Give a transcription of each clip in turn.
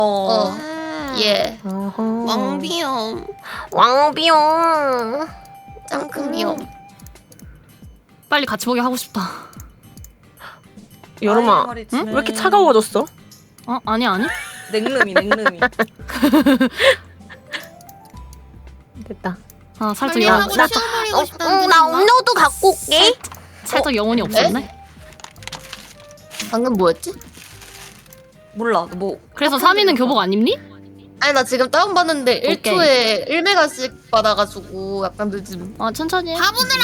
예. 어허. 왕비염. 왕비용. 짱큰 비염. 빨리 같이 보기 하고 싶다. 여름아, 응? 왜 이렇게 차가워졌어? 어? 아니. 냉름이. 됐다. 아 살짝 빨리 영 하고 치워버리고 싶다는 나 뜻인가? 음료도 갖고 올게. 살짝 영혼이 없었네. 방금 뭐였지? 몰라. 뭐 그래서 3위는 교복 안 입니? 아니 나 지금 다운받는데 오케이. 1초에 1메가씩 받아가지고 약간 늦음. 아 천천히 해. 바보들아!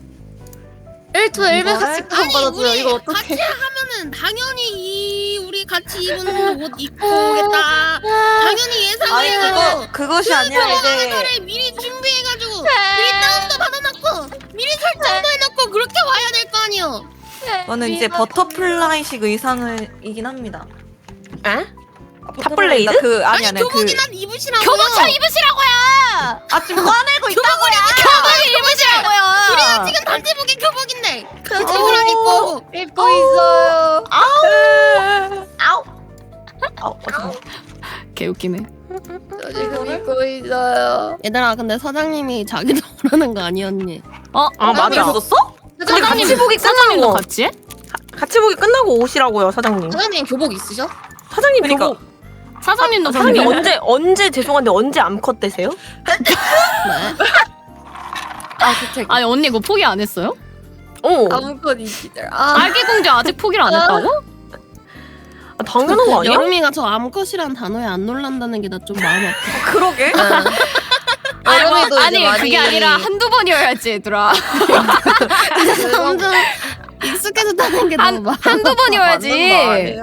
1초에 이거를? 1메가씩 다운받았어요. 이거 어떡해. 같이 하면은 당연히 우리 같이 입은 옷 입고 오겠다. 당연히 예상을 아니 해가지고 그것이 아니라 이제 그거를 미리 준비해가지고 미리 다운도 받아놓고 미리 설정도 해놓고 그렇게 와야 될 거 아니요. 저는 이제 버터플라이식 의상이긴 합니다. 에? 탑블레이드? 그 아니 교복이나 입으시라고요. 교복차 입으시라고요. 아 지금 꺼내고 있다고요. 교복 입으시라고요. 우리가 지금 단체복이 교복인데 단체복을 안 입고 입고 있어요. 개웃기네. 저 지금 입고 있어요. 얘들아 근데 사장님이 자기도 오라는 거 아니었니? 어? 아 맞아. 있었어? 근데 같이 보기 사장님도 끝나고 같이 해? 같이 보기 끝나고 오시라고요, 사장님. 사장님 교복 있으셔? 사장님 그러니까. 교복. 사장님도 그럼 사장님 미- 언제 죄송한데 언제 암컷 되세요? 아 그쵸. 아니 언니 그거 포기 안 했어요? 어. 아무건 이시들. 아. 알기 공주 아직 포기를 안 했다고? 아, 당연한 거 아니야? 여름이가 저 암컷이란 단어에 안 놀란다는 게 나 좀 마음 아파. 그러게. 여름이도 아니 이제 많이 그게 아니라 한두 번이어야지 얘들아. 점점 익숙해졌다는 게 너무 마음 한두 번이어야지.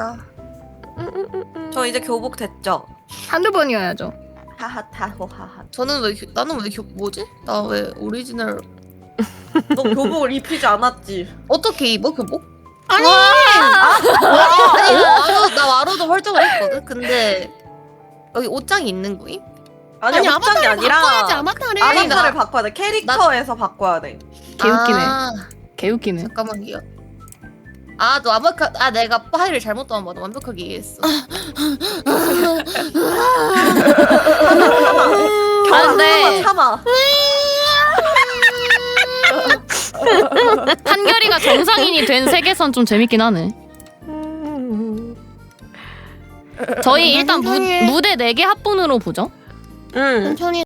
저 이제 교복 됐죠. 한두 번이어야죠. 하하타호하하. 저는 나는 왜 뭐지? 나 왜 오리지널 너 교복을 입히지 않았지? 어떻게 입어 교복? 아니 아니 나 와로도 설정을 했거든. 근데 여기 옷장이 있는 거임? 아니 옷장이 아바타를 아니라 바꿔야지 아바타를. 아바타를 바꿔야 돼. 캐릭터에서 바꿔야 돼. 개웃기네. 아, 개웃기네. 잠깐만요. 아, 너 내가 파일을 잘못 다운받아 완벽하게 이해했어. 근데 참아. 한결이가 정상인이 된 세계선 좀 재밌긴 하네. 저희 일단 무대 4개 합본으로 보죠. 응. 천천히